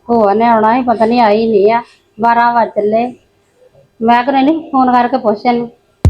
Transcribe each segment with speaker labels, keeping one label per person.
Speaker 1: ਭੂਆ ਨੇ ਆਉਣਾ ਹੀ ਪਤਾ ਨਹੀਂ ਆਈ ਨਹੀਂ ਆ 12 ਵਜ ਚੱਲੇ। ਮੈਂ ਕਹਿੰਦੀ ਨਹੀਂ ਫੋਨ ਕਰਕੇ ਪੁੱਛ ਇਹਨੂੰ।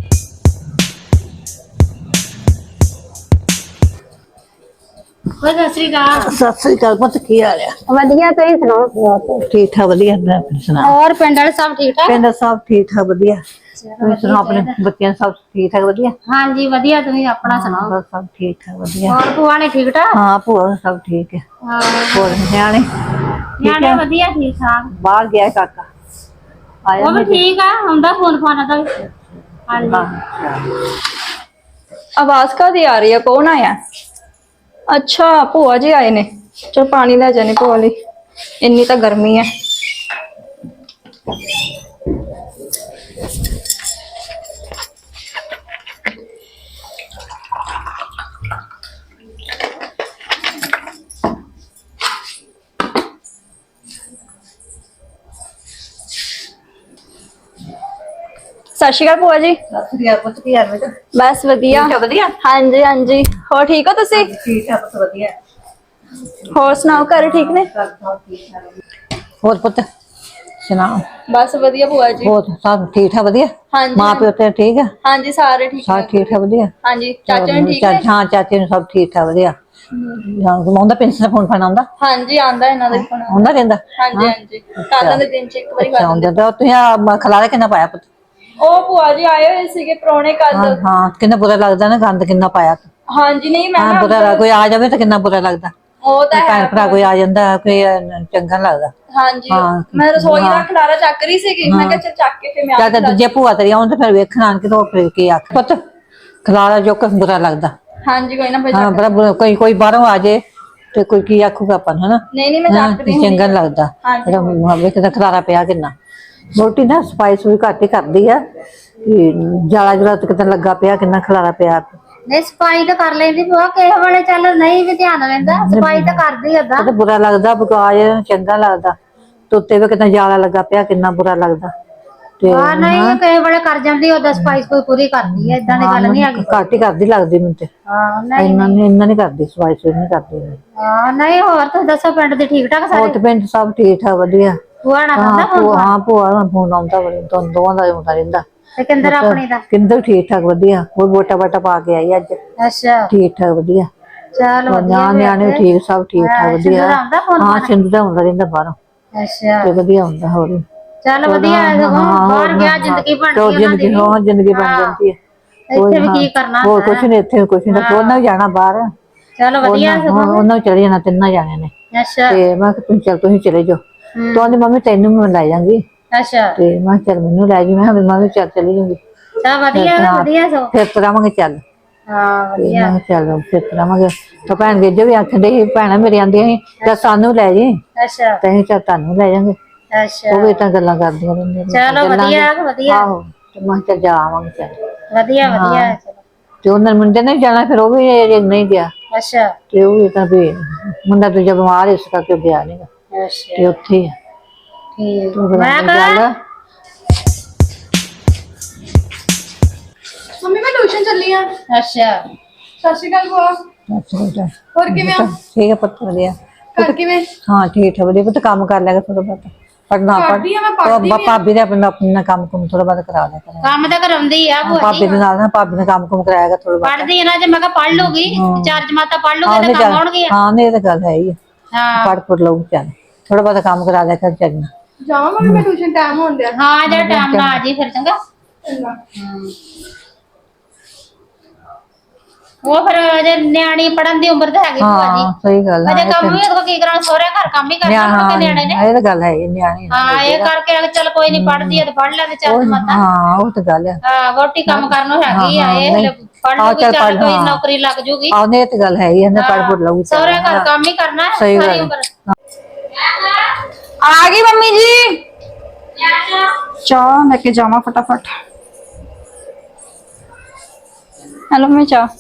Speaker 1: ਸਤਿ ਸ੍ਰੀ ਅਕਾਲ।
Speaker 2: ਸਤਿ ਸ੍ਰੀ ਅਕਾਲ ਪੁੱਤ, ਕੀ ਹਾਲ ਆ?
Speaker 1: ਵਧੀਆ, ਤੁਸੀਂ ਸੁਣਾਓ?
Speaker 2: ਠੀਕ ਠਾਕ ਵਧੀਆ। ਆਪਣੀ ਸੁਣਾ?
Speaker 1: ਹੋਰ ਪਿੰਡ ਵਾਲੇ ਸਭ ਠੀਕ ਠਾਕ?
Speaker 2: ਪਿੰਡ ਸਭ ਠੀਕ ਠਾਕ ਵਧੀਆ। ਤੁਸੀਂ ਸੁਣਾਓ ਆਪਣੇ ਬੱਚਿਆਂ ਸਭ ਠੀਕ ਠਾਕ ਵਧੀਆ?
Speaker 1: ਹਾਂਜੀ ਵਧੀਆ, ਤੁਸੀਂ ਆਪਣਾ ਸੁਣਾਓ?
Speaker 2: ਬਸ ਸਭ ਠੀਕ ਠਾਕ ਵਧੀਆ।
Speaker 1: ਹੋਰ ਭੂਆ ਨੇ ਠੀਕ ਠਾਕ?
Speaker 2: ਹਾਂ ਭੂਆ ਸਭ ਠੀਕ ਹੈ। ਹੋਰ ਨਿਆਣੇ?
Speaker 1: ਨਿਆਣੇ ਵਧੀਆ ਠੀਕ ਠਾਕ।
Speaker 2: ਬਾਹਰ ਗਿਆ ਕਾਕਾ? ਆਇਆ
Speaker 1: ਉਹ ਵੀ ਠੀਕ ਆ, ਆਉਂਦਾ ਫੋਨ ਫਾਨਾ ਦਾ। ਹਾਂਜੀ।
Speaker 3: आवाज कादी आ रही है? कौन आया? अच्छा भूआ जी आए ने। चल पानी ले जाने भूआ ली, इन्नी तो गर्मी है। सत श्री अकाल भूआ जी।
Speaker 2: सत श्री अकाल पुੱਤ, ਕੀ ਹਾਲ ਹੈ?
Speaker 3: बस वधिया।
Speaker 2: ਵਧੀਆ।
Speaker 3: हाँ जी हाँ जी, होर ठीक हो तुसी?
Speaker 2: ठीक है पुੱਤ ਵਧੀਆ।
Speaker 3: होर सुनाओ, घर ठीक ने?
Speaker 2: ਹੋਰ ਪੁੱਤ ਸੁਣਾਓ?
Speaker 3: बस वधिया भूआ जी।
Speaker 2: ਹੋਰ ਸਭ ਠੀਕ ਠਾਕ ਵਧੀਆ?
Speaker 3: हाँ जी
Speaker 2: ਮਾਂ ਪਿਓ ਤੇ ਠੀਕ ਹੈ?
Speaker 3: हाँ जी सारे ठीक
Speaker 2: ਸਾਰੇ
Speaker 3: है।
Speaker 2: ਠੀਕ ਠਾਕ ਵਧੀਆ।
Speaker 3: हाँ जी चाचा ने ठीक है?
Speaker 2: ਹਾਂ ਚਾਚੇ ਨੂੰ ਸਭ ਠੀਕ ਠਾਕ ਵਧੀਆ। ਆਉਂਦਾ ਪੈਨਸ਼ਨ ਫੋਨ ਫਾਨ ਆਉਂਦਾ?
Speaker 3: हाँ जी आंदा इन्हां दे फोन।
Speaker 2: ਆਉਂਦਾ ਰਹਿੰਦਾ?
Speaker 3: हाँ जी हाँ जी, कालां दे दिन च एक बारी कर
Speaker 2: ਆਉਂਦਾ ਤਾਂ ਤੁਸੀਂ ਖਲਾਰਾ ਕਿੰਨਾ ਪਾਇਆ ਪੁੱਤ?
Speaker 3: ओ भूआ जी आए हुए सीगे परौणे कल।
Speaker 2: ਹਾਂ ਹਾਂ, ਕਿੰਨਾ ਬੁਰਾ ਲੱਗਦਾ ਨਾ, ਗੰਦ ਕਿੰਨਾ ਪਾਇਆ।
Speaker 3: हाँ जी नहीं मैं
Speaker 2: ਹਾਂ ਬੁਰਾ ਕੋਈ ਆ ਜਾਵੇ ਤਾਂ ਕਿੰਨਾ ਬੁਰਾ ਲੱਗਦਾ।
Speaker 3: ओ ता है
Speaker 2: ਭੈਣ ਭਰਾ ਕੋਈ ਆ ਜਾਂਦਾ ਕੋਈ ਚੰਗਾ ਨੀ ਲੱਗਦਾ।
Speaker 3: हाँ जी
Speaker 2: हाँ।
Speaker 3: मैं रसोई दा खलारा चक रही सीगी, मैं कहा चल चक के फिर मैं
Speaker 2: ਜਦ ਦੂਜੇ ਭੂਆ ਤੇਰੀ ਆਉਣ ਤੇ ਫਿਰ ਵੇਖਣ ਆਣ ਕੇ ਤਾਂ ਫਿਰ ਕੀ ਆਖ ਪੁੱਤ ਖਲਾਰਾ ਜੋ ਕੁਛ ਬੁਰਾ ਲੱਗਦਾ।
Speaker 3: हाँ जी कोई ना भाई
Speaker 2: ਹਾਂ ਬੜਾ ਬੁਰਾ, ਕੋਈ ਬਾਹਰੋਂ ਆ ਜੇ ਤੇ ਕੋਈ ਕੀ ਆਖੂਗਾ ਆਪਾਂ ਨੂੰ, ਹਨਾ?
Speaker 3: नहीं मैं
Speaker 2: ਹਾਂ,
Speaker 3: चक रही हूं।
Speaker 2: ਚੰਗਾ ਨੀ ਲੱਗਦਾ।
Speaker 3: हाँ जी।
Speaker 2: ਜਿਹੜਾ ਵੇਖਦਾ ਖਲਾਰਾ ਪਿਆ ਕਿੰਨਾ। ਰੋਟੀ ਨਾ ਸਫਾਈ ਸੁਈ ਘੱਟ ਹੀ ਕਰਦੀ ਆ, ਜਾਲਾ ਜੁਲਾ ਤੇ ਕਿਤੇ ਲੱਗਾ ਪਿਆ, ਕਿੰਨਾ ਖਲਾਰਾ ਪਿਆ।
Speaker 1: ਨਹੀਂ ਸਫਾਈ ਤਾਂ ਕਰ ਲੈਂਦੀ ਭੂਆ, ਕਿਸੇ ਵੇਲੇ ਚੱਲ ਨਹੀਂ ਵੀ ਧਿਆਨ ਰਹਿੰਦਾ, ਸਫਾਈ ਤਾਂ ਕਰਦੀ ਓਦਾਂ।
Speaker 2: ਤੇ ਬੁਰਾ ਲੱਗਦਾ ਬਕਾਜ, ਚੰਗਾ ਲੱਗਦਾ। ਤੋਤੇ ਵੀ ਕਿੰਨਾ ਜਾਲਾ ਲੱਗਾ ਪਿਆ, ਕਿੰਨਾ ਬੁਰਾ ਲੱਗਦਾ। ਤੇ
Speaker 1: ਹਾਂ ਨਹੀਂ ਕਿਸੇ ਵੇਲੇ ਕਰ ਜਾਂਦੀ, ਓਦਾਂ ਸਫਾਈ ਕੋਈ ਪੂਰੀ ਕਰਦੀ ਹੈ, ਏਦਾਂ ਦੀ ਗੱਲ ਨਹੀਂ ਹੈਗੀ।
Speaker 2: ਘੱਟ ਹੀ ਕਰਦੀ ਲੱਗਦੀ ਮੈਨੂੰ ਤੇ।
Speaker 1: ਹਾਂ ਨਹੀਂ
Speaker 2: ਇੰਨਾ ਨੀ ਕਰਦੀ, ਸਫਾਈ ਸੁਈ ਨੀ ਕਰਦੀ।
Speaker 1: ਹਾਂ ਨਹੀਂ। ਹੋਰ ਤੁਸੀਂ ਦੱਸੋ, ਪਿੰਡ ਦੇ ਠੀਕ ਠਾਕ ਸਾਰੇ?
Speaker 2: ਹੋਰ ਤੇ ਪਿੰਡ ਸਭ ਠੀਕ ਠਾਕ ਵਧੀਆ।
Speaker 1: ਭੂਆ ਨਾਲ ਆਉਂਦਾ ਫੋਨ?
Speaker 2: ਹਾਂ ਭੂਆ ਦਾ ਫੋਨ ਆਉਂਦਾ, ਦੋਵਾਂ ਦਾ ਆਉਂਦਾ ਰਹਿੰਦਾ।
Speaker 1: ਤੇ ਕਿੰਦਰ ਆਪਣੀ ਦਾ?
Speaker 2: ਕਿੰਦਰ ਠੀਕ ਠਾਕ ਵਧੀਆ, ਉਹ ਵੋਟਾ ਵਾਟਾ ਪਾ ਕੇ ਆਈ ਅੱਜ।
Speaker 1: ਅੱਛਾ
Speaker 2: ਠੀਕ ਠਾਕ ਵਧੀਆ।
Speaker 1: ਚਲ ਵਧੀਆ।
Speaker 2: ਨਿਆਣੇ ਠੀਕ, ਸਭ ਠੀਕ ਠਾਕ ਵਧੀਆ।
Speaker 1: ਆਉਂਦਾ ਫੋਨ?
Speaker 2: ਹਾਂ ਸਿੰਧੂ ਦਾ ਆਉਂਦਾ ਰਹਿੰਦਾ ਬਾਹਰੋਂ
Speaker 1: ਅੱਛਾ
Speaker 2: ਤੇ ਵਧੀਆ ਹੁੰਦਾ। ਹੋਰ
Speaker 1: ਚੱਲ ਵਧੀਆ ਹੈ, ਬਾਹਰ ਗਿਆ ਜ਼ਿੰਦਗੀ ਬਣਦੀ ਉਹਨਾਂ ਦੀ।
Speaker 2: ਜ਼ਿੰਦਗੀ ਬਣ ਜਾਂਦੀ ਹੈ।
Speaker 1: ਇੱਥੇ ਵੀ ਕੀ ਕਰਨਾ
Speaker 2: ਹੋਰ ਕੁਛ ਨੀ, ਇੱਥੇ ਕੁਛ ਨੀ। ਉਹਨਾਂ ਵੀ ਜਾਣਾ ਬਾਹਰ,
Speaker 1: ਚਲ ਵਧੀਆ।
Speaker 2: ਉਹਨਾਂ ਵੀ ਚਲੇ ਜਾਣਾ, ਤਿੰਨਾਂ ਜਾਣਿਆਂ ਨੇ।
Speaker 1: ਅੱਛਾ
Speaker 2: ਤੇ ਮੈਂ ਕਿਹਾ ਤੁਸੀਂ ਚਲੇ ਜਾਓ। ਤੂੰ ਆਂਦੀ ਮੰਮੀ ਤੈਨੂੰ ਮੈਂ ਲੈ ਜਾਵਾਂਗੀ।
Speaker 1: ਅੱਛਾ
Speaker 2: ਤੇ ਮੈਂ ਕਿਹਾ ਚੱਲ ਮੈਨੂੰ ਲੈ ਜੀ। ਮੈਂ ਕਿਹਾ ਮੈਂ ਵੀ ਚੱਲ ਚਲੀ ਜਾਊਂਗੀ।
Speaker 1: ਚਲ ਵਧੀਆ ਵਧੀਆ ਸੋ।
Speaker 2: ਫਿਰ ਤੁਰਾਂਗੇ ਚੱਲ।
Speaker 1: ਹਾਂ
Speaker 2: ਤੇ
Speaker 1: ਵਧੀਆ।
Speaker 2: ਮੈਂ ਕਿਹਾ ਚੱਲ ਫਿਰ ਤੁਰਾਂਗੇ। ਤਾਂ ਭੈਣ ਗੇਜੋ ਵੀ ਆਖਦੇ ਸੀ, ਭੈਣਾਂ ਮੇਰੀ ਆਂਦੀਆਂ ਸੀ ਚੱਲ ਸਾਨੂੰ ਲੈ ਜੀ,
Speaker 1: ਅੱਛਾ
Speaker 2: ਤੇ ਅਸੀਂ ਚੱਲ ਤੁਹਾਨੂੰ ਲੈ ਜਾਵਾਂਗੇ।
Speaker 1: ਅੱਛਾ
Speaker 2: ਉਹ ਵੀ ਤਾਂ ਗੱਲਾਂ ਕਰਦੀਆਂ ਰਹਿੰਦੀਆਂ।
Speaker 1: ਚਲੋ ਵਧੀਆ ਵਧੀਆ।
Speaker 2: ਆਹੋ ਤੇ ਮੈਂ ਕਿਹਾ ਚੱਲ ਜਾ ਆਵਾਂਗੇ ਚੱਲ।
Speaker 1: ਵਧੀਆ ਵਧੀਆ ਚਲੋ।
Speaker 2: ਤੇ ਉਹਨਾਂ ਮੁੰਡੇ ਨੇ ਜਾਣਾ, ਫਿਰ ਉਹ ਵੀ ਨਹੀਂ ਗਿਆ।
Speaker 1: ਅੱਛਾ
Speaker 2: ਤੇ ਉਹ ਵੀ ਤਾਂ ਵੀ ਮੁੰਡਾ ਦੂਜਾ ਬਿਮਾਰ ਇਸ ਕਰਕੇ ਗਿਆ ਨੀ ਗਾ।
Speaker 1: ਅੱਛਾ
Speaker 2: ਤੇ ਉੱਥੇ ਹੀ ਆ।
Speaker 1: ਠੀਕ।
Speaker 2: ਮੈਂ
Speaker 3: ਮੰਮੀ ਮੈਂ ਟਿਊਸ਼ਨ ਚੱਲੀ ਆ।
Speaker 1: ਅੱਛਾ
Speaker 3: ਸਤਿ ਸ਼੍ਰੀ ਅਕਾਲ ਭੂਆ। ਹੋਰ ਕਿਵੇਂ ਹੋ?
Speaker 2: ਠੀਕ ਹੈ ਪੁੱਤ ਵਧੀਆ।
Speaker 3: ਘਰ ਕਿਵੇਂ?
Speaker 2: ਹਾਂ ਠੀਕ ਹੈ ਵਧੀਆ ਪੁੱਤ। ਕੰਮ ਕਰ ਲਿਆ ਥੋੜਾ ਬਹੁਤ, ਪੜਨਾ
Speaker 3: ਕਰਦੀ ਆ ਮੈਂ, ਪੜ੍ਹਦੀ ਵੀ ਆ।
Speaker 2: ਭਾਬੀ ਦੇ ਆਪਣਾ ਕੰਮ ਕੁਮ ਥੋੜਾ ਬਹੁਤ ਕਰਾ ਲਿਆ ਕਰ।
Speaker 1: ਕੰਮ ਤਾਂ ਕਰਾਉਂਦੀ ਆ ਭੂਆ
Speaker 2: ਭਾਬੀ
Speaker 1: ਜੀ।
Speaker 2: ਦੇ ਨਾਲ ਨਾ ਭਾਬੀ ਨੇ ਕੰਮ ਕੁਮ ਕਰਾਇਆ ਥੋੜਾ ਬਹੁਤ।
Speaker 1: ਪੜ੍ਹਦੀ ਆ ਨਾ, ਜੇ ਮੈਂ ਕਿਹਾ ਪੜ੍ਹ ਲੂਗੀ, 4 ਜਮਾਤਾਂ ਪੜ੍ਹ ਲੂਗੀ ਤਾਂ ਕੰਮ ਆਉਣਗੇ।
Speaker 2: ਹਾਂ ਨਹੀਂ ਇਹ ਤਾਂ ਗੱਲ ਹੈ ਹੀ।
Speaker 1: ਹਾਂ
Speaker 2: ਪੜ੍ਹ ਪੁੜ ਲਊ ਚੱਲ, ਥੋੜਾ ਬਹੁਤ ਕੰਮ ਕਰਾ ਲਿਆ ਕਰ ਚੱਲਣਾ।
Speaker 3: ਜਾਵਾਂ ਮੰਮੀ ਮੈਂ ਟਿਊਸ਼ਨ, ਟਾਈਮ ਹੋਣ ਡਿਆ।
Speaker 1: ਹਾਂ ਜੇ ਟਾਈਮ ਨਾਲ ਆ ਜੀ ਫਿਰ ਚੰਗਾ।
Speaker 3: ਚੰਗਾ।
Speaker 1: ਉਹ ਫਿਰ ਅਜੇ ਨਿਆਣੀ ਪੜਨ ਦੀ ਉਮਰ ਤਾਂ ਹੈਗੀ ਭੂਆ ਜੀ।
Speaker 2: ਹਾਂ ਸਹੀ ਗੱਲ ਹੈ।
Speaker 1: ਅਜੇ ਕੰਮ ਵੀ ਉਹਦੇ ਕੋਲ ਕੀ ਕਰਾਂ, ਸਹੁਰੇ ਘਰ ਕੰਮ ਹੀ ਕਰਨਾ ਕਿ ਨਿਆਣੇ ਨੇ।
Speaker 2: ਇਹ ਤਾਂ ਗੱਲ ਹੈ ਹੀ, ਨਿਆਣੇ।
Speaker 1: ਹਾਂ ਇਹ ਕਰਕੇ ਚੱਲ ਕੋਈ ਨੀ, ਪੜਦੀ ਆ ਤੇ ਪੜ ਲੈ ਤੇ ਚੱਲ ਮਤਾ।
Speaker 2: ਹਾਂ ਉਹ ਤਾਂ ਗੱਲ ਹੈ।
Speaker 1: ਹਾਂ ਵੋਟੀ ਕੰਮ ਕਰਨੋਂ ਹੈਗੀ ਆ, ਇਹ ਹਲੇ ਪੜ ਲੂਗੀ, ਚੱਲ ਕੋਈ ਨੌਕਰੀ ਲੱਗ ਜੂਗੀ।
Speaker 2: ਆਉਂਦੇ ਇਹ ਤਾਂ ਗੱਲ ਹੈ ਹੀ, ਇਹਨੇ ਪੜ ਪੁੜ ਲਊਗੀ।
Speaker 1: ਸਹੁਰੇ ਘਰ ਕੰਮ ਹੀ ਕਰਨਾ ਹੈ ਸਾਰੀ ਉਮਰ।
Speaker 3: ਆ ਗਈ ਮੰਮੀ ਜੀ। ਚਾਹ लेके जावा फटाफट। हेलो मम्मी चाह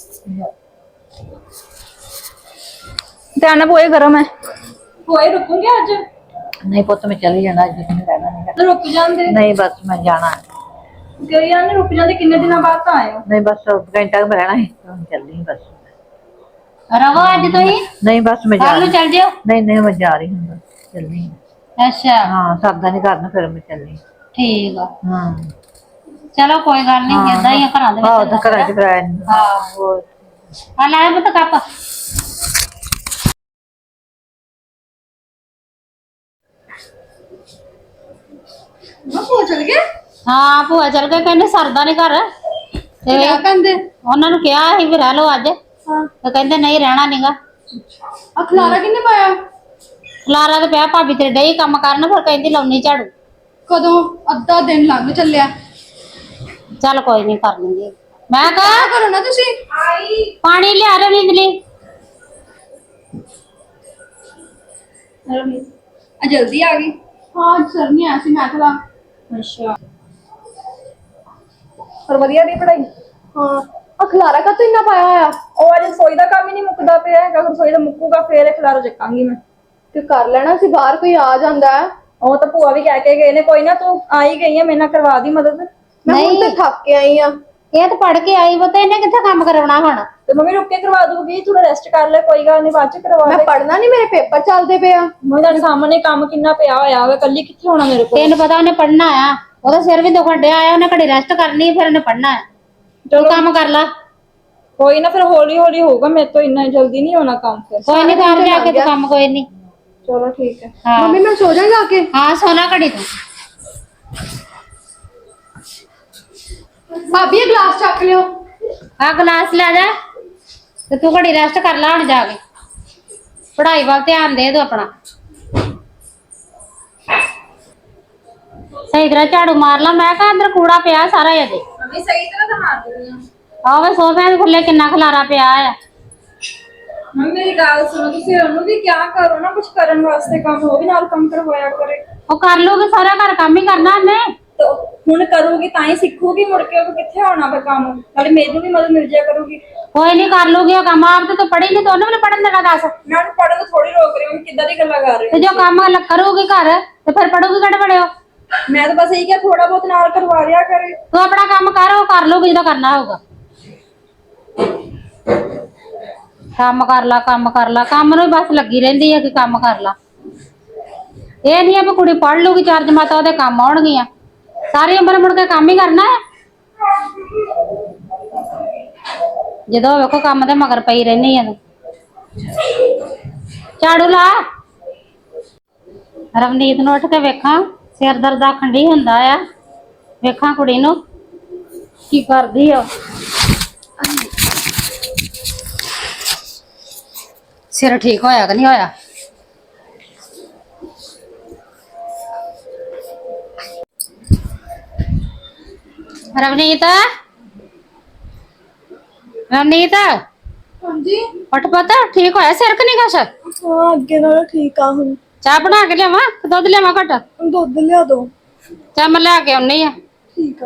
Speaker 3: ध्यान पोए गरम है। पोए रुकूंगे आज?
Speaker 2: नहीं पुत मैं चली जाना, अज नहीं रहना नहीं।
Speaker 3: तो रुक जाते?
Speaker 2: नहीं बस मैं जाना
Speaker 3: गई यार, रुक जाते। कितने दिन बाद तो आए हो?
Speaker 2: नहीं बस घंटा में रहना है, चल रही बस।
Speaker 1: रहो आज तो ही
Speaker 2: नहीं बस मैं जा
Speaker 1: कल
Speaker 2: रही।
Speaker 1: चल जाओ।
Speaker 2: नहीं नहीं मैं जा रही हूँ, बस चल रही।
Speaker 1: ਅੱਛਾ
Speaker 2: ਹਾਂ ਸਰਦਾ ਨਹੀਂ ਕਰਨਾ ਫਿਰ ਮੈਂ ਚੱਲੀ।
Speaker 1: ਠੀਕ ਆ।
Speaker 2: ਹਾਂ
Speaker 1: ਚਲੋ ਕੋਈ ਗੱਲ ਨਹੀਂ, ਏਦਾਂ ਹੀ ਆ ਘਰਾਂ ਦੇ ਵਿੱਚ।
Speaker 2: ਆਹ ਤਾਂ ਘਰਾਂ 'ਚ ਕਰਾਇਆ ਨੀ।
Speaker 1: ਹਾਂ
Speaker 2: ਹੋਰ
Speaker 1: ਆ ਲੈ ਪੁੱਤ ਕੱਪ।
Speaker 3: ਭੂਆ ਚਲ ਗਏ?
Speaker 1: ਹਾਂ ਭੂਆ ਚਲ ਗਏ, ਕਹਿੰਦੇ ਸਰਦਾ ਨਹੀਂ ਘਰ ਤੇ
Speaker 3: ਕਿਆ ਕਹਿੰਦੇ?
Speaker 1: ਉਹਨਾਂ ਨੂੰ ਕਿਹਾ ਸੀ ਵੀ ਰਹਿ ਲਓ ਅੱਜ,
Speaker 3: ਹਾਂ।
Speaker 1: ਤੇ ਕਹਿੰਦੇ ਨਹੀਂ ਰਹਿਣਾ ਨੀਗਾ।
Speaker 3: ਆ ਖਲਾਰਾ ਕਿੰਨੇ ਪਾਇਆ?
Speaker 1: ਖਲਾਰਾ ਤੇ ਪਿਆ, ਭਾਬੀ ਤੇਰੇ ਡਈ ਕੰਮ ਕਰਨ, ਫਿਰ ਕਹਿੰਦੀ ਲਾਉਣੀ ਝਾੜੂ।
Speaker 3: ਕਦੋਂ? ਅੱਧਾ ਦਿਨ ਲੰਘ ਚੱਲਿਆ।
Speaker 1: ਚੱਲ ਕੋਈ ਨਹੀਂ ਕਰ ਲੂੰਗੀ। ਮੈਂ
Speaker 3: ਕਿਆ
Speaker 1: ਕਹਾ
Speaker 3: ਕਰੋ ਨਾ ਤੁਸੀਂ। ਆਈ
Speaker 1: ਪਾਣੀ ਲਿਆ ਰਹੇ ਨੀਂਦਲੀ।
Speaker 3: ਆ ਜਲਦੀ ਆ ਗਈ। ਹਾਂ ਸਰ ਨਹੀਂ ਆਇਆ ਸੀ, ਮੈਂ ਖਲਾ। ਅੱਛਾ ਪਰ ਵਧੀਆ ਦੀ ਪੜਾਈ। ਹਾਂ ਆ ਖਲਾਰਾ ਕਾ ਇੰਨਾ ਪਾਇਆ ਹੋਇਆ? ਉਹ ਅੱਜ ਰਸੋਈ ਦਾ ਕੰਮ ਹੀ ਨਹੀਂ ਮੁੱਕਦਾ ਪਿਆ ਹੈਗਾ। ਰਸੋਈ ਦਾ ਮੁੱਕੂਗਾ ਫੇਰ ਇਹ ਖਲਾਰਾ ਚੱਕਾਂਗੀ ਮੈਂ। ਤੇ ਕਰ ਲੈਣਾ ਸੀ, ਬਾਹਰ ਕੋਈ ਆ ਜਾਂਦਾ ਹੈ। ਉਹ ਤਾਂ ਭੂਆ ਵੀ ਕਹਿ ਕੇ ਗਏ ਨੇ, ਕੋਈ ਨਾ ਤੂੰ ਆ ਹੀ ਗਈ ਹੈ, ਮੇਰੇ ਨਾਲ ਕਰਵਾ ਦੀ ਮਦਦ। ਮੈਂ ਹੁਣ ਤੇ ਥੱਕ ਕੇ ਆਈ ਆ।
Speaker 1: ਇਹ ਤਾਂ ਪੜ ਕੇ ਆਈ, ਉਹ ਤਾਂ ਇਹਨੇ ਕਿੱਥੇ ਕੰਮ ਕਰਾਉਣਾ ਹੁਣ।
Speaker 3: ਤੇ ਮੰਮੀ ਰੁੱਕ ਕੇ ਕਰਵਾ ਦੂਗੀ, ਥੋੜਾ ਰੈਸਟ ਕਰ ਲੈ, ਕੋਈ ਗੱਲ ਨਹੀਂ ਬਾਅਦ ਚ ਕਰਵਾ ਦੇ। ਮੈਂ ਪੜਨਾ ਨਹੀਂ, ਮੇਰੇ ਪੇਪਰ ਚੱਲਦੇ ਪਏ ਆ। ਮੈਂ ਤੁਹਾਡੇ ਸਾਹਮਣੇ ਕੰਮ ਕਿੰਨਾ ਪਿਆ ਹੋਇਆ ਵਾ, ਕੱਲੀ ਕਿੱਥੇ ਹੋਣਾ ਮੇਰੇ ਕੋਲ।
Speaker 1: ਤੈਨੂੰ ਪਤਾ ਉਹਨੇ ਪੜਨਾ ਆ, ਉਹਦਾ ਸਿਰ ਵੀ ਦੁਖਣ ਡਿਆ ਆ, ਉਹਨੇ ਘੜੀ ਰੈਸਟ ਕਰਨੀ, ਫਿਰ ਉਹਨੇ ਪੜਨਾ ਆ। ਤੂੰ ਕੰਮ ਕਰ ਲਾ।
Speaker 3: ਕੋਈ ਨਾ ਫਿਰ ਹੌਲੀ ਹੌਲੀ ਹੋਊਗਾ, ਮੇਰੇ ਤੋਂ ਇੰਨਾ ਜਲਦੀ ਨਹੀਂ ਹੋਣਾ ਕੰਮ। ਫਿਰ
Speaker 1: ਕੋਈ ਨਹੀਂ ਕਰ ਲਿਆ ਕੇ ਤੂੰ ਕੰਮ, ਕੋਈ ਨਹੀਂ।
Speaker 3: ਚਲੋ ਠੀਕ ਹੈ।
Speaker 1: ਹਾਂ
Speaker 3: ਮੰਮੀ ਮੈਂ ਸੋ ਜਾ ਜਾ ਕੇ।
Speaker 1: ਹਾਂ ਸੋਨਾ ਘੜੀ ਤੂੰ।
Speaker 3: ਭਾਬੀ ਇਹ ਗਲਾਸ ਚੱਕ ਲਿਓ।
Speaker 1: ਆ ਗਲਾਸ ਲੈ ਜਾ, ਤੇ ਤੂੰ ਘੜੀ ਰੈਸਟ ਕਰ ਲਾ ਹੁਣ ਜਾ ਕੇ। ਪੜ੍ਹਾਈ ਵੱਲ ਧਿਆਨ ਦੇ ਤੂੰ ਆਪਣਾ। ਸਹੀ ਤਰ੍ਹਾਂ ਝਾੜੂ ਮਾਰ ਲਾ। ਮੈਂ ਕਿਹਾ ਅੰਦਰ ਕੂੜਾ ਪਿਆ ਸਾਰਾ ਇਹਦੇ।
Speaker 3: ਮੰਮੀ ਸਹੀ ਤਰ੍ਹਾਂ ਤਾਂ ਮਾਰ ਦਿੰਦੀ ਆ।
Speaker 1: ਆਵੇ ਸੋਫਿਆਂ ਦੇ ਥੱਲੇ ਕਿੰਨਾ ਖਲਾਰਾ ਪਿਆ ਆ।
Speaker 3: ਮੰਮੀ ਮੇਰੀ ਗੱਲ ਸੁਣੋ, ਤੁਸੀਂ ਉਹਨੂੰ ਵੀ ਕਿਆ ਕਰੋ ਨਾ ਕੁਝ ਕਰਨ ਵਾਸਤੇ ਕੰਮ, ਉਹ ਵੀ ਨਾਲ ਕੰਮ ਕਰਵਾਇਆ ਕਰੇ।
Speaker 1: ਉਹ ਕਰ ਲੂਗੀ, ਸਾਰਾ ਘਰ ਕੰਮ ਹੀ ਕਰਨਾ ਉਹਨੇ।
Speaker 3: ਤੇ ਹੁਣ ਕਰੂਗੀ ਤਾਂ ਹੀ ਸਿੱਖੂਗੀ, ਮੁੜ ਕੇ ਉਹ ਕਿੱਥੇ ਆਉਣਾ ਫਿਰ ਕੰਮ। ਨਾਲੇ ਮੈਨੂੰ ਵੀ ਮਦਦ ਮਿਲ ਜਾਇਆ ਕਰੂਗੀ।
Speaker 1: ਕੋਈ ਨਹੀਂ ਕਰ ਲੂਗੀ ਉਹ ਕੰਮ। ਆਪ ਤੇ ਤੂੰ ਪੜ੍ਹੀ ਨਹੀਂ, ਉਹਨੂੰ ਵੀ ਪੜਨ ਦੇਣਾ ਦੱਸ।
Speaker 3: ਮੈਂ ਉਹਨੂੰ ਪੜ੍ਹਨ ਤੋਂ ਥੋੜੀ ਰੋਕ ਰਹੀ ਹਾਂ, ਕਿੱਦਾਂ ਦੀ ਗੱਲਾਂ ਕਰ ਰਹੀ
Speaker 1: ਤੇ ਜੋ ਕੰਮ ਕਰੂਗੀ ਘਰ, ਤੇ ਫਿਰ ਪੜੂਗੀ ਕਿਹੜੇ ਬੜਿਓ।
Speaker 3: ਮੈਂ ਤਾਂ ਬਸ ਇਹੀ ਕਿਹਾ ਥੋੜਾ ਬਹੁਤ ਨਾਲ ਕਰਵਾ ਦਿਆ ਕਰੇ।
Speaker 1: ਤੂੰ ਆਪਣਾ ਕੰਮ ਕਰ, ਉਹ ਕਰ ਲੂਗੀ ਜਦੋਂ ਕਰਨਾ ਹੋਊਗਾ। ਕੰਮ ਕਰ ਲਾ, ਕੰਮ ਕਰ ਲਾ, ਕੰਮ ਨੂੰ ਹੀ ਬਸ ਲੱਗੀ ਰਹਿੰਦੀ ਹੈ ਕਿ ਕੰਮ ਕਰ ਲਾ। ਇਹ ਨਹੀਂ ਆ ਵੀ ਕੁੜੀ ਪੜ੍ਹ ਲੂਗੀ, ਚਾਰ ਜਮਾਤਾਂ ਉਹਦੇ ਕੰਮ ਆਉਣਗੀਆਂ। ਸਾਰੀ ਉਮਰ ਮੁੜ ਕੇ ਕੰਮ ਹੀ ਕਰਨਾ ਹੈ। ਜਦੋਂ ਵੇਖੋ ਕੰਮ ਤੇ ਮਗਰ ਪਈ ਰਹਿੰਦੀ ਆ ਤੂੰ। ਝਾੜੂ ਲਾ। ਰਵਨੀਤ ਨੂੰ ਉੱਠ ਕੇ ਵੇਖਾਂ, ਸਿਰ ਦਰਦ ਆਖਣ ਡਈ ਹੁੰਦਾ ਆ। ਵੇਖਾਂ ਕੁੜੀ ਨੂੰ ਕੀ ਕਰਦੀ ਆ। ਸਿਰ ਠੀਕ ਹੋਇਆ ਕਿ ਨਹੀਂ ਹੋਇਆ? ਰਵਨੀਤ, ਰਵਨੀਤ
Speaker 3: ਹਾਂਜੀ
Speaker 1: ਉੱਠ ਪਤਾ, ਠੀਕ ਹੋਇਆ ਸਿਰ ਕਿ ਨਹੀਂ ਕੁਛ?
Speaker 3: ਹਾਂ ਅੱਗੇ ਨਾਲੋਂ ਠੀਕ ਆ ਹੁਣ।
Speaker 1: ਚਾਹ ਬਣਾ ਕੇ ਲਿਆਵਾਂ ਕਿ ਦੁੱਧ ਲਿਆਵਾਂ ਘਟ?
Speaker 3: ਦੁੱਧ ਲਿਆ ਦੋ।
Speaker 1: ਚਾਹ ਮੈਂ ਲਿਆ ਕੇ ਆਉਣੀ ਆ।
Speaker 3: ਠੀਕ ਆ।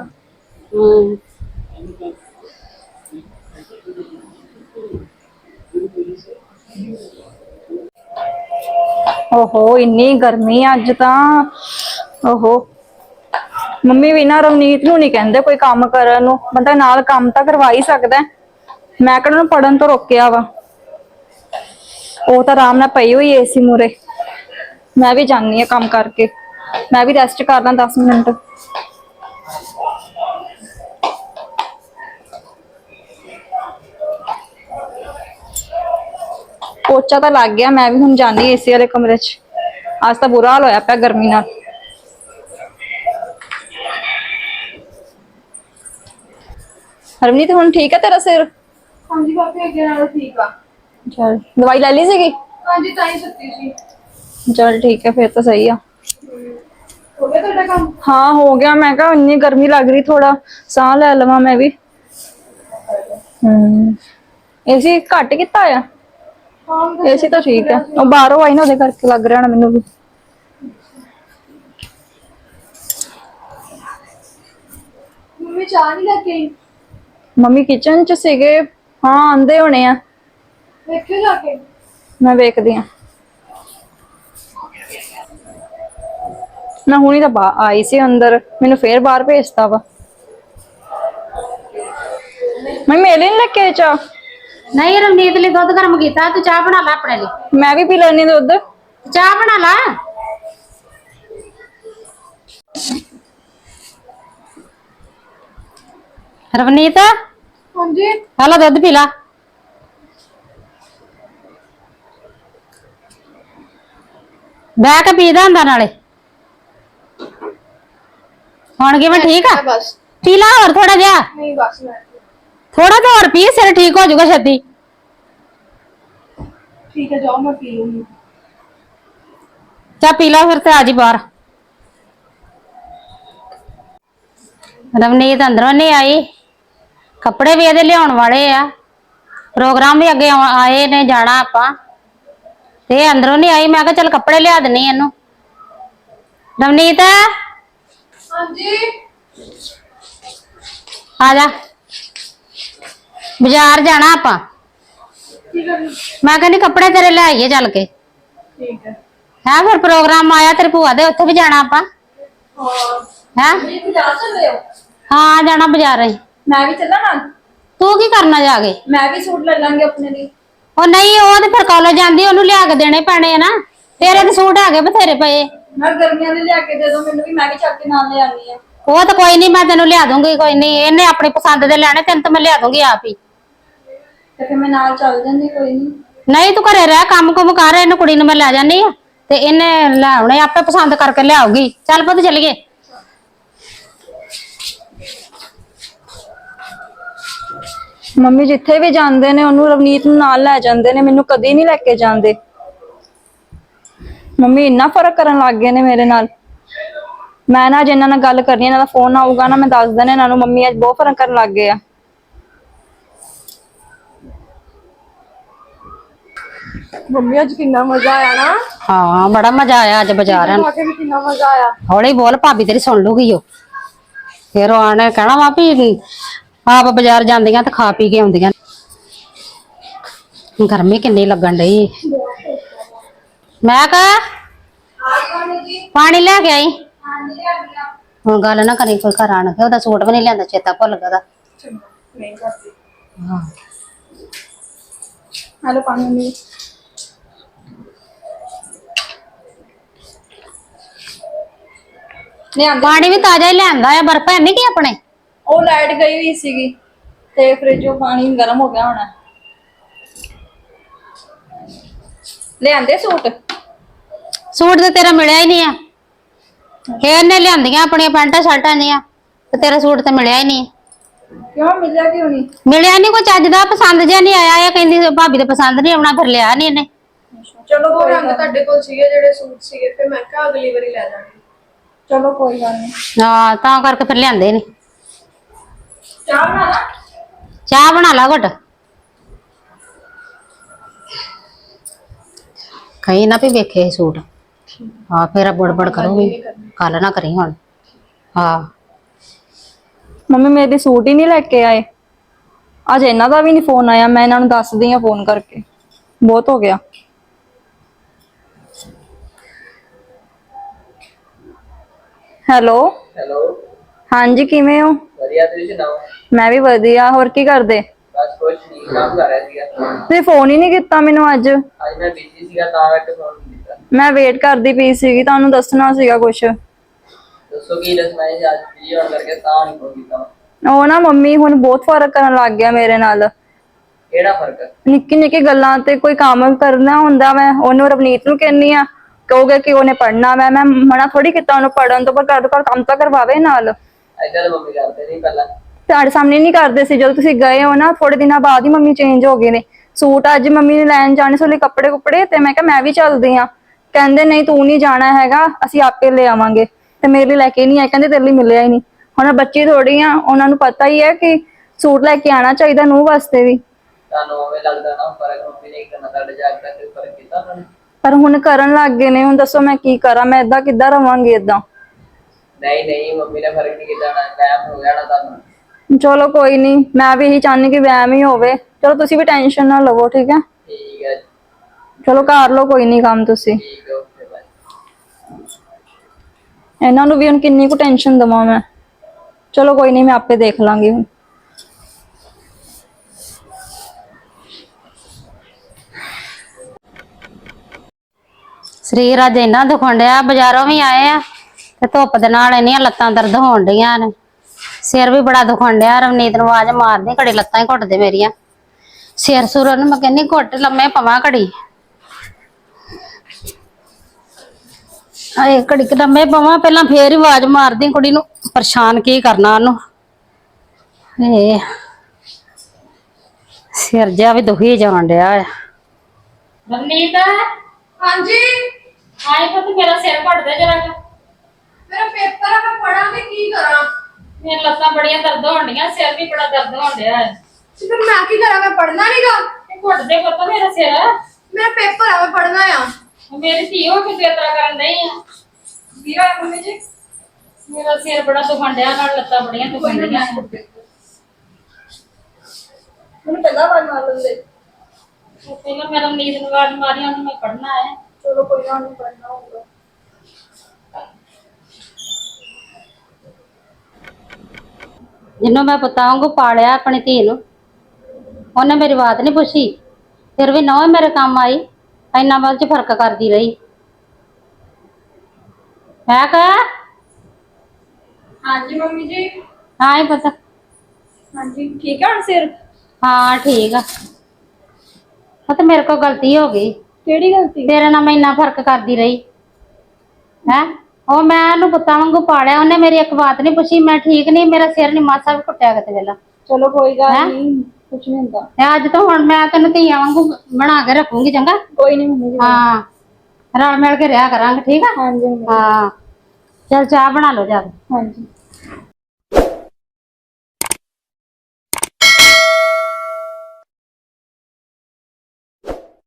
Speaker 3: ਓਹੋ ਇੰਨੀ ਗਰਮੀ ਅੱਜ ਤਾਂ। ਓਹੋ ਮੰਮੀ ਵੀ ਨਾ ਰਵਨੀਤ ਨੂੰ ਨਹੀਂ ਕਹਿੰਦੇ ਕੋਈ ਕੰਮ ਕਰਨ ਨੂੰ, ਬੰਦਾ ਨਾਲ ਕੰਮ ਤਾਂ ਕਰਵਾ ਹੀ ਸਕਦਾ। ਮੈਂ ਕਿਹੜਾ ਨੂੰ ਪੜਨ ਤੋਂ ਰੋਕਿਆ ਵਾ। ਉਹ ਤਾਂ ਆਰਾਮ ਨਾਲ ਪਈ ਹੋਈ ਏਸੀ ਮੂਰੇ। ਮੈਂ ਵੀ ਜਾਂਦੀ ਆ ਕੰਮ ਕਰਕੇ, ਮੈਂ ਵੀ ਰੈਸਟ ਕਰ ਲਾਂ 10 ਮਿੰਟ। ਪੋਚਾ ਤਾਂ ਲੱਗ ਗਿਆ, ਮੈਂ ਵੀ ਹੁਣ ਜਾਣੀ ਏਸੀ ਵਾਲੇ ਕਮਰੇ 'ਚ। ਅੱਜ ਤਾਂ ਬੁਰਾ ਹਾਲ ਹੋਇਆ ਪਿਆ ਗਰਮੀ ਨਾਲ। ਹਰਮਨੀਤ ਹੁਣ ਠੀਕ ਹੈ ਤੇਰਾ ਸਿਰ? ਹਾਂਜੀ ਭਾਬੀ ਅੱਗੇ ਨਾਲੋਂ ਠੀਕ ਆ। ਚਲ ਦਵਾਈ ਲੈ ਲਈ ਸੀਗੀ? ਹਾਂਜੀ ਤਾਂ ਹੀ ਸੁੱਤੀ ਸੀ। ਚਲ ਠੀਕ ਹੈ ਫਿਰ ਤਾਂ ਸਹੀ ਆ। ਹੋ ਗਿਆ ਤੁਹਾਡਾ ਕੰਮ? ਹਾਂ ਹੋ ਗਿਆ। ਮੈਂ ਕਿਹਾ ਇੰਨੀ ਗਰਮੀ ਲੱਗ ਰਹੀ, ਥੋੜਾ ਸਾਹ ਲੈ ਲਵਾਂ ਮੈਂ ਵੀ। ਏਸੀ ਘੱਟ ਕੀਤਾ ਆ? ਹਾਂ ਏਸੀ ਤਾਂ ਠੀਕ ਆ, ਉਹ ਬਾਹਰੋਂ ਆਈ ਨਾ ਉਹਦੇ ਕਰਕੇ ਲੱਗ ਰਿਹਾ ਨਾ ਮੈਨੂੰ ਵੀ। ਮੰਮੀ ਚਾਹ ਨਹੀਂ ਲੈ ਕੇ ਆਈ? ਮੰਮੀ ਕਿਚਨ 'ਚ ਸੀਗੇ। ਹਾਂ ਆਂਦੇ ਹੋਣੇ ਆ। ਵੇਖਿਓ ਜਾ ਕੇ। ਮੈਂ ਵੇਖਦੀ ਆ। ਮੈਂ ਹੁਣੀ ਤਾਂ ਆਈ ਸੀ ਅੰਦਰ, ਮੈਨੂੰ ਫੇਰ ਬਾਹਰ ਭੇਜਤਾ ਵਾ। ਮੈਂ ਮੇਰੇ ਲਈ ਨੀ ਲੈ ਕੇ ਆਈ ਚਾਹ?
Speaker 1: ਨਹੀਂ ਰਵਨੀਤ ਲਈ ਦੁੱਧ ਗਰਮ ਕੀਤਾ, ਤੂੰ ਚਾਹ ਬਣਾ ਲੈ ਆਪਣੇ ਲਈ।
Speaker 3: ਮੈਂ ਵੀ ਪੀ ਲੈਣੀ ਦੁੱਧ।
Speaker 1: ਚਾਹ ਬਣਾ ਲਾ। ਰਵਨੀਤ
Speaker 3: ਹਾਂਜੀ
Speaker 1: ਹਲੋ ਦੁੱਧ ਪੀ ਲਾ। ਬਹਿ ਕੇ ਪੀਦਾ ਹੁੰਦਾ ਨਾਲੇ। ਹੁਣ ਕਿਵੇਂ ਠੀਕ ਆ?
Speaker 3: ਬਸ
Speaker 1: ਪੀ ਲਾ ਹੋਰ ਥੋੜਾ ਜਿਹਾ।
Speaker 3: ਨਹੀਂ ਬਸ ਮੈਂ
Speaker 1: ਥੋੜਾ ਜਿਹਾ ਹੋਰ ਪੀ, ਸਿਰ ਠੀਕ ਹੋ ਜਾਊਗਾ ਛੇਤੀ।
Speaker 3: ਠੀਕ ਹੈ ਜਾਓ ਮੈਂ ਪੀ ਲੂੰਗੀ।
Speaker 1: ਚਾ ਪੀ ਲਾ ਫਿਰ ਤੇ ਆ ਜੀ ਬਾਹਰ। ਰਵਨੀਤ ਅੰਦਰੋਂ ਨਹੀਂ ਆਈ। ਕੱਪੜੇ ਵੀ ਇਹਦੇ ਲਿਆਉਣ ਵਾਲੇ ਆ। ਪ੍ਰੋਗਰਾਮ ਵੀ ਅੱਗੇ ਆਏ ਨੇ, ਜਾਣਾ ਆਪਾਂ ਤੇ ਇਹ ਅੰਦਰੋਂ ਨਹੀਂ ਆਈ। ਮੈਂ ਕਿਹਾ ਚੱਲ ਕੱਪੜੇ ਲਿਆ ਦਿੰਨੀ ਇਹਨੂੰ। ਰਵਨੀਤ
Speaker 3: ਹਾਂਜੀ
Speaker 1: ਆ ਜਾ, ਬਾਜ਼ਾਰ ਜਾਣਾ ਆਪਾਂ।
Speaker 3: ਠੀਕ ਹੈ
Speaker 1: ਮੈਂ ਕਹਿੰਦੀ ਕੱਪੜੇ ਤੇਰੇ ਲੈ ਆਈਏ ਚੱਲ ਕੇ।
Speaker 3: ਠੀਕ ਹੈ
Speaker 1: ਹੈ ਫਿਰ ਪ੍ਰੋਗਰਾਮ ਆਇਆ ਤੇਰੀ ਭੂਆ ਦੇ, ਉੱਥੇ ਵੀ ਜਾਣਾ ਆਪਾਂ।
Speaker 3: ਹਾਂ
Speaker 1: ਹੈ
Speaker 3: ਤੁਸੀਂ ਜਾ ਸਕਦੇ ਹੋ।
Speaker 1: ਹਾਂ ਜਾਣਾ ਬਾਜ਼ਾਰ ਅਸੀਂ।
Speaker 3: ਮੈਂ ਵੀ ਚੱਲਾਂ ਨਾਲ।
Speaker 1: ਤੂੰ ਕੀ ਕਰਨਾ ਜਾ ਕੇ?
Speaker 3: ਮੈਂ ਵੀ ਸੂਟ ਲੈ ਲਾਂਗੇ ਆਪਣੇ ਲਈ।
Speaker 1: ਉਹ ਨਹੀਂ, ਉਹ ਤੇ ਫਿਰ ਕਾਲਜ ਜਾਂਦੀ, ਉਹਨੂੰ ਲਿਆ ਕੇ ਦੇਣੇ ਪੈਣੇ ਆ ਨਾ। ਤੇਰੇ ਤੇ ਸੂਟ ਹੈਗੇ ਬਥੇਰੇ ਪਏ।
Speaker 3: ਮੈਂ ਗਰਮੀਆਂ ਦੇ ਲਿਆ ਕੇ ਦੇ ਦੋ ਮੈਨੂੰ ਵੀ, ਮੈਂ ਵੀ ਚੱਕ ਕੇ ਨਾਲ ਲੈ ਆਣੀ ਆ।
Speaker 1: ਉਹ ਤਾਂ ਕੋਈ ਨਹੀਂ, ਮੈਂ ਤੈਨੂੰ ਲਿਆ ਦੂੰਗੀ। ਕੋਈ ਨਹੀਂ, ਇਹਨੇ ਆਪਣੀ ਪਸੰਦ ਦੇ ਲੈਣੇ, ਤੈਨੂੰ ਤਾਂ ਮੈਂ ਲਿਆ ਦੂੰਗੀ ਆਪ ਹੀ।
Speaker 3: ਤੇ ਫਿਰ ਮੈਂ ਨਾਲ ਚੱਲ ਜਾਂਦੀ, ਕੋਈ ਨਹੀਂ।
Speaker 1: ਨਹੀਂ ਤੂੰ ਘਰੇ ਰਹਿ, ਕੰਮ ਕੁਮ ਕਰ। ਇਹਨੂੰ ਕੁੜੀ ਨੂੰ ਮੈਂ ਲੈ ਜਾਨੀ ਆ ਤੇ ਇਹਨੇ ਲੈ ਆਉਣੇ, ਆਪੇ ਪਸੰਦ ਕਰਕੇ ਲਿਆਉਗੀ। ਚੱਲ ਪੁੱਤ ਚੱਲੀਏ।
Speaker 3: ਮੰਮੀ ਜਿੱਥੇ ਵੀ ਜਾਂਦੇ ਨੇ ਉਹਨੂੰ ਰਵਨੀਤ ਨੂੰ ਨਾਲ ਲੈ ਜਾਂਦੇ ਨੇ, ਮੈਨੂੰ ਕਦੀ ਨਹੀਂ ਲੈ ਕੇ ਜਾਂਦੇ। ਮੰਮੀ ਇੰਨਾ ਫਰਕ ਕਰਨ ਲੱਗ ਗਏ ਨੇ ਮੇਰੇ ਨਾਲ। ਮੈਂ ਨਾ ਅੱਜ ਇਹਨਾਂ ਨਾਲ ਗੱਲ ਕਰਨੀ, ਇਹਨਾਂ ਦਾ ਫੋਨ ਆਊਗਾ ਨਾ, ਮੈਂ ਦੱਸ ਦੇਣਾ ਇਹਨਾਂ ਨੂੰ ਮੰਮੀ ਅੱਜ ਬਹੁਤ ਫਰਕ ਕਰਨ ਲੱਗ ਗਏ ਆ। ਮੰਮੀ ਅੱਜ ਕਿੰਨਾ ਮਜ਼ਾ ਆਇਆ ਨਾ।
Speaker 1: ਹਾਂ ਬੜਾ ਮਜ਼ਾ ਆਇਆ ਅੱਜ ਬਾਜ਼ਾਰ।
Speaker 3: ਆ ਕੇ ਵੀ ਕਿੰਨਾ ਮਜ਼ਾ ਆਇਆ।
Speaker 1: ਹੌਲੀ ਬੋਲ, ਭਾਬੀ ਤੇਰੀ ਸੁਣ ਲੂਗੀ। ਉਹ ਫਿਰ ਉਹ ਆਣੇ ਕਹਿਣਾ ਵਾ ਵੀ ਆਪ ਬਾਜ਼ਾਰ ਜਾਂਦੀਆਂ ਤੇ ਖਾ ਪੀ ਕੇ ਆਉਂਦੀਆਂ। ਗਰਮੀ ਕਿੰਨੀ ਲੱਗਣ ਡਈ। ਮੈਂ ਕਹਾ ਪਾਣੀ ਲੈ ਕੇ ਆਈ। ਹੁਣ ਗੱਲ ਨਾ ਕਰੀ ਕੋਈ ਘਰ ਆਣ ਕੇ। ਉਹਦਾ ਸੂਟ ਵੀ ਨਹੀਂ ਲਿਆਂਦਾ, ਚੇਤਾ ਭੁੱਲ ਗਿਆ ਉਹਦਾ। ਹਾਂ
Speaker 3: ਹੈਲੋ ਪਾਣੀ
Speaker 1: ਪਾਣੀ ਵੀ ਤਾਜ਼ਾ ਹੀ ਲਿਆਂਦਾ ਆ। ਬਰਫ ਹੈ ਨਹੀਂ ਕਿ ਆਪਣੇ?
Speaker 3: ਉਹ ਲਾਈਟ ਗਈ ਹੋਈ ਸੀਗੀ ਤੇ ਫ੍ਰਿਜੋਂ ਪਾਣੀ ਗਰਮ ਹੋ ਗਿਆ ਹੋਣਾ। ਲਿਆਂਦੇ ਸੂਟ?
Speaker 1: ਸੂਟ ਤੇ ਤੇਰਾ ਮਿਲਿਆ ਹੀ ਨਹੀਂ ਆ। ਇਹਨੇ ਲਿਆਂਦੀਆਂ ਆਪਣੀਆਂ ਪੈਂਟਾਂ ਸ਼ਰਟਾਂ ਦੀਆਂ, ਤੇ ਤੇਰਾ ਸੂਟ ਤੇ ਮਿਲਿਆ ਹੀ ਨਹੀਂ।
Speaker 3: ਕਿਉਂ ਮਿਲਿਆ ਕਿਉਂ ਨਹੀਂ?
Speaker 1: ਮਿਲਿਆ ਨਹੀਂ, ਕੋਈ ਚੱਜ ਦਾ ਪਸੰਦ ਜਿਹਾ ਨਹੀਂ ਆਇਆ। ਇਹ ਕਹਿੰਦੀ ਭਾਬੀ ਦੇ ਪਸੰਦ ਨਹੀਂ ਆਉਣਾ, ਫਿਰ ਲਿਆ ਨਹੀਂ ਇਹਨੇ।
Speaker 3: ਚਲੋ ਕੋਈ ਰੰਗ ਤੁਹਾਡੇ ਕੋਲ ਸੀਗੇ ਜਿਹੜੇ ਸੂਟ ਸੀਗੇ, ਫਿਰ ਮੈਂ ਕਿਹਾ ਅਗਲੀ ਵਾਰੀ ਲੈ ਜਾਵਾਂਗੀ। ਚਲੋ ਕੋਈ ਗੱਲ ਨਹੀਂ।
Speaker 1: ਹਾਂ ਤਾਂ ਕਰਕੇ ਫਿਰ ਲਿਆਂਦੇ ਨਹੀਂ।
Speaker 3: ਚਾਹ ਬਣਾ ਲਾ।
Speaker 1: ਚਾਹ ਬਣਾ ਲਾ ਘੁੱਟ। ਕਹੀ ਨਾ ਵੀ ਵੇਖੇ ਸੂਟ। ਹਾਂ ਫਿਰ ਬੜਬੜ ਕਰੂਗੀ। ਕੱਲ ਨਾ ਕਰੀ ਹੁਣ। ਹਾਂ
Speaker 3: ਮੰਮੀ ਮੇਰੇ ਸੂਟ ਹੀ ਨਹੀਂ ਲੈ ਕੇ ਆਏ। ਅੱਜ ਇਹਨਾਂ ਦਾ ਵੀ ਨਹੀਂ ਫੋਨ ਆਇਆ। ਮੈਂ ਇਹਨਾਂ ਨੂੰ ਦੱਸਦੀ ਆ ਫੋਨ ਕਰਕੇ। ਬਹੁਤ ਹੋ ਗਿਆ। ਹੈਲੋ
Speaker 4: ਹੈਲੋ
Speaker 3: ਹਾਂਜੀ ਕਿਵੇਂ ਹੋ?
Speaker 4: ਵਧੀਆ, ਤੁਸੀਂ ਸੁਣਾਓ?
Speaker 3: ਮੈਂ ਵੀ ਵਧੀਆ। ਹੋਰ ਕੀ ਕਰਦੇ?
Speaker 4: ਬਸ ਕੁਛ ਨਹੀਂ, ਕੰਮ ਕਰ ਰਿਹਾ ਸੀਗਾ।
Speaker 3: ਤੁਸੀਂ ਫੋਨ ਹੀ ਨਹੀਂ ਕੀਤਾ ਮੈਨੂੰ ਅੱਜ।
Speaker 4: ਅੱਜ ਮੈਂ ਬਿਜ਼ੀ ਸੀਗਾ ਤਾਂ ਕਰਕੇ ਫੋਨ ਨਹੀਂ ਕੀਤਾ।
Speaker 3: ਮੈਂ ਵੇਟ ਕਰਦੀ ਪਈ ਸੀਗੀ, ਤੁਹਾਨੂੰ ਦੱਸਣਾ ਸੀਗਾ ਕੁਛ।
Speaker 4: ਦੱਸੋ ਕੀ ਦੱਸਣਾ ਹੈ? ਅੱਜ ਬਿਜ਼ੀ ਹੋਣ ਕਰਕੇ ਤਾਂ ਨਹੀਂ ਫੋਨ ਕੀਤਾ।
Speaker 3: ਉਹ ਨਾ ਮੰਮੀ ਹੁਣ ਬਹੁਤ ਫਰਕ ਕਰਨ ਲੱਗ ਗਿਆ ਮੇਰੇ ਨਾਲ।
Speaker 4: ਕਿਹੜਾ ਫਰਕ?
Speaker 3: ਨਿੱਕੀ ਨਿੱਕੀ ਗੱਲਾਂ ਤੇ ਕੋਈ ਕੰਮ ਕਰਨਾ ਹੁੰਦਾ, ਮੈਂ ਉਹਨੂੰ ਰਵਨੀਤ ਨੂੰ ਕਹਿੰਨੀ ਆ, ਕਹੋਗੇ ਕਿ ਉਹਨੇ ਪੜ੍ਹਨਾ ਮੈਂ ਮਨਾ ਥੋੜੀ ਕੀਤਾ ਉਹਨੂੰ ਪੜ੍ਹਨ ਤੋਂ, ਪਰ ਘਰ ਤੋਂ ਕੰਮ ਤਾਂ ਕਰਵਾਵੇ ਨਾਲ।
Speaker 4: ਏਦਾਂ ਤਾਂ ਮੰਮੀ ਕਰਦੇ ਨਹੀਂ ਪਹਿਲਾਂ।
Speaker 3: ਤੁਹਾਡੇ ਸਾਹਮਣੇ ਨਹੀਂ ਕਰਦੇ ਸੀ। ਜਦੋਂ ਤੁਸੀਂ ਗਏ ਹੋ ਨਾ ਥੋੜੇ ਦਿਨਾਂ ਬਾਅਦ ਹੀ ਮੰਮੀ ਚੇਂਜ ਹੋ ਗਏ ਨੇ। ਸੂਟ ਅੱਜ ਮੰਮੀ ਨੇ ਲੈਣ ਜਾਣੇ ਸੀ ਕੱਪੜੇ ਕੁੱਪੜੇ, ਤੇ ਮੈਂ ਕਿਹਾ ਮੈਂ ਵੀ ਚੱਲਦੀ ਆ। ਕਹਿੰਦੇ ਨਹੀਂ ਤੂੰ ਨਹੀਂ ਜਾਣਾ ਹੈਗਾ, ਅਸੀਂ ਆਪੇ ਲੈ ਆਵਾਂਗੇ। ਤੇ ਮੇਰੇ ਲਈ ਲੈ ਕੇ ਨਹੀਂ ਆਏ, ਕਹਿੰਦੇ ਤੇਰੇ ਲਈ ਮਿਲਿਆ ਹੀ ਨਹੀਂ। ਹੁਣ ਬੱਚੀ ਥੋੜੀ ਆ, ਉਹਨਾਂ ਨੂੰ ਪਤਾ ਹੀ ਹੈ ਕਿ ਸੂਟ ਲੈ ਕੇ ਆਣਾ ਚਾਹੀਦਾ ਨੂੰਹ ਵਾਸਤੇ ਵੀ।
Speaker 4: ਤੁਹਾਨੂੰ ਉਵੇਂ ਲੱਗਦਾ ਨਾ ਫਰਕ ਮੰਮੀ ਨੇ ਕਰਨਾ, ਤੁਹਾਡੇ ਜਾ ਕੇ ਫਰਕ ਕੀਤਾ ਉਹਨਾਂ ਨੇ।
Speaker 3: ਪਰ ਹੁਣ ਕਰਨ ਲੱਗ ਗਏ ਨੇ। ਹੁਣ ਦੱਸੋ ਮੈਂ ਕੀ ਕਰਾਂ? ਮੈਂ ਏਦਾਂ ਕਿੱਦਾਂ ਰਵਾਂਗੀ ਏਦਾਂ?
Speaker 4: ਨਹੀਂ ਨਹੀਂ, ਮੰਮੀ ਨੇ ਫਰਕ ਨਹੀਂ ਕੀਤਾ ਨਾ, ਵਹਿਮ ਹੋ ਗਿਆ ਨਾ ਤੁਹਾਨੂੰ।
Speaker 3: ਚਲੋ ਕੋਈ ਨਹੀਂ, ਮੈਂ ਵੀ ਇਹੀ ਚਾਹੁੰਦੀ ਕਿ ਵਹਿਮ ਹੀ ਹੋਵੇ। ਚਲੋ ਤੁਸੀਂ ਵੀ ਟੈਨਸ਼ਨ ਨਾ ਲਵੋ, ਠੀਕ ਹੈ?
Speaker 4: ਠੀਕ ਹੈ
Speaker 3: ਚਲੋ ਕਰ ਲਓ ਕੋਈ ਨਹੀਂ ਕੰਮ ਤੁਸੀਂ।
Speaker 4: ਠੀਕ ਹੈ, ਓਕੇ ਬਾਏ।
Speaker 3: ਇਹਨਾਂ ਨੂੰ ਵੀ ਹੁਣ ਕਿੰਨੀ ਕੁ ਟੈਨਸ਼ਨ ਦਵਾਂ ਮੈਂ। ਚਲੋ ਕੋਈ ਨਹੀਂ, ਮੈਂ ਆਪੇ ਦੇਖ ਲਾਂਗੀ ਹੁਣ।
Speaker 1: ਸਰੀਰ ਅੱਜ ਇੰਨਾ ਦੁਖਣ ਡਿਆ। ਬਾਜ਼ਾਰੋਂ ਵੀ ਆਏ ਆ ਤੇ ਧੁੱਪ ਦੇ ਨਾਲ ਇੰਨੀਆਂ ਲੱਤਾਂ ਦਰਦ ਹੋਣ ਡੀਆਂ ਨੇ। ਸਿਰ ਵੀ ਬੜਾ ਦੁਖਣ ਡਿਆ। ਰਵਨੀਤ ਨੂੰ ਆਵਾਜ਼ ਮਾਰਦੇ ਘੜੀ, ਲੱਤਾਂ ਹੀ ਘੁੱਟਦੇ ਮੇਰੀਆਂ। ਸਿਰ ਸੁਰ ਨੂੰ ਮੈਂ ਕਹਿੰਦੀ ਘੁੱਟ ਲੰਮੇ ਪਵਾਂ ਘੜੀ। ਆਏ ਘੜੀ ਲੰਮੇ ਪਵਾਂ ਪਹਿਲਾਂ, ਫੇਰ ਹੀ ਆਵਾਜ਼ ਮਾਰਦੀ ਕੁੜੀ ਨੂੰ। ਪਰੇਸ਼ਾਨ ਕੀ ਕਰਨਾ ਉਹਨੂੰ। ਇਹ ਸਿਰ ਜਿਹਾ ਵੀ ਦੁਖੀ ਜਾਣ ਡਿਆ ਆ। ਰਵਨੀਤ,
Speaker 5: ਹਾਂਜੀ
Speaker 1: ਆਏ ਪੁੱਤ ਮੇਰਾ ਸਿਰ ਘੁੱਟਦੇ ਜਰਾ।
Speaker 5: ਮੇਰਾ ਪੇਪਰ ਆ, ਮੈਂ ਪੜਾਂ ਤੇ ਕੀ ਕਰਾਂ?
Speaker 1: ਮੇਰੀਆਂ ਲੱਤਾਂ ਬੜੀਆਂ ਦਰਦ ਹੋਣ ਡੀਆਂ, ਸਿਰ ਵੀ ਬੜਾ ਦਰਦ ਹੋਣ ਡਿਆ ਹੈ।
Speaker 5: ਤੇ ਫਿਰ ਮੈਂ ਕੀ ਕਰਾਂ? ਮੈਂ ਪੜਨਾ ਨਹੀਂਗਾ।
Speaker 1: ਇਹ ਘੁੱਟਦੇ ਪੁੱਤ ਮੇਰਾ ਸਿਰ।
Speaker 5: ਮੇਰਾ ਪੇਪਰ ਆ, ਮੈਂ ਪੜਨਾ ਆ।
Speaker 1: ਮੇਰੀ ਧੀ ਹੋ ਕੇ ਤੇ ਤਰ੍ਹਾਂ ਕਰਨ ਡਈ ਆ।
Speaker 5: ਵੀਰਾ ਮੰਮੀ ਜੀ,
Speaker 1: ਮੇਰਾ ਸਿਰ ਬੜਾ ਦੁਖਣ ਡਿਆ, ਨਾਲ ਲੱਤਾਂ ਬੜੀਆਂ ਦੁਖਣ ਡੀਆਂ।
Speaker 5: ਮੈਨੂੰ ਪਹਿਲਾਂ ਵਾਰ ਮਾਰ ਲੈਂਦੇ।
Speaker 1: ਪਹਿਲਾਂ ਮੇਰਾ ਨੀਂਦ ਨੂੰ ਆਵਾਜ਼ ਮਾਰੀ, ਉਹਨੂੰ ਮੈਂ ਪੜਨਾ ਹੈ।
Speaker 5: ਚਲੋ ਕੋਈ ਨਾ, ਨਹੀਂ ਪੜਨਾ ਹੋਊਗਾ।
Speaker 1: ਜਿਹਨੂੰ ਮੈਂ ਪੁੱਤਾਂ ਵਾਂਗੂ ਪਾਲਿਆ ਆਪਣੀ ਧੀ ਨੂੰ, ਉਹਨੇ ਮੇਰੀ ਬਾਤ ਨਹੀਂ ਪੁੱਛੀ। ਫਿਰ ਵੀ ਨੌ ਮੇਰੇ ਕੰਮ ਆਈ, ਇੰਨਾ ਵੱਲ ਚ ਫਰਕ ਕਰਦੀ ਰਹੀ। ਮੈਂ ਕਹਾ
Speaker 5: ਹਾਂਜੀ ਮੰਮੀ ਜੀ।
Speaker 1: ਹਾਂ ਹੀ ਪਤਾ।
Speaker 5: ਹਾਂਜੀ ਠੀਕ ਹੈ ਹੁਣ ਸਿਰ?
Speaker 1: ਹਾਂ ਠੀਕ ਆ। ਉਹ ਤੇ ਮੇਰੇ ਕੋਲ ਗਲਤੀ ਹੋ ਗਈ।
Speaker 5: ਕਿਹੜੀ ਗਲਤੀ?
Speaker 1: ਤੇਰੇ ਨਾਲ ਮੈਂ ਇੰਨਾ ਫਰਕ ਕਰਦੀ ਰਹੀ ਹੈ। ਉਹ ਮੈਂ ਉਹਨੂੰ ਪੁੱਤਾਂ ਵਾਂਗੂ ਪਾਲਿਆ, ਉਹਨੇ ਮੇਰੀ ਇੱਕ ਬਾਤ ਨਹੀਂ ਪੁੱਛੀ। ਮੈਂ ਠੀਕ ਨਹੀਂ, ਮੇਰਾ ਸਿਰ ਨੀ ਮਾਸਾ ਵੀ ਘੁੱਟਿਆ ਕਿਤੇ ਵੇਲਾ।
Speaker 5: ਚਲੋ ਕੋਈ
Speaker 1: ਹੈਂ?
Speaker 5: ਗੱਲ ਨਹੀਂ, ਕੁਛ ਨਹੀਂ ਹੁੰਦਾ।
Speaker 1: ਤੇ ਅੱਜ ਤੋਂ ਹੁਣ ਮੈਂ ਤੈਨੂੰ ਧੀਆਂ ਵਾਂਗੂ ਬਣਾ ਕੇ ਰੱਖੂੰਗੀ, ਚੰਗਾ?
Speaker 5: ਕੋਈ ਨਹੀਂ ਮੰਮੀ ਜੀ।
Speaker 1: ਹਾਂ, ਰਲ ਮਿਲ ਕੇ ਰਿਹਾ ਕਰਾਂਗੇ, ਠੀਕ ਆ?
Speaker 5: ਹਾਂਜੀ ਮੰਮੀ।
Speaker 1: ਹਾਂ, ਚਲ ਚਾਹ ਬਣਾ ਲਓ ਜਾ ਕੇ।
Speaker 5: ਹਾਂਜੀ।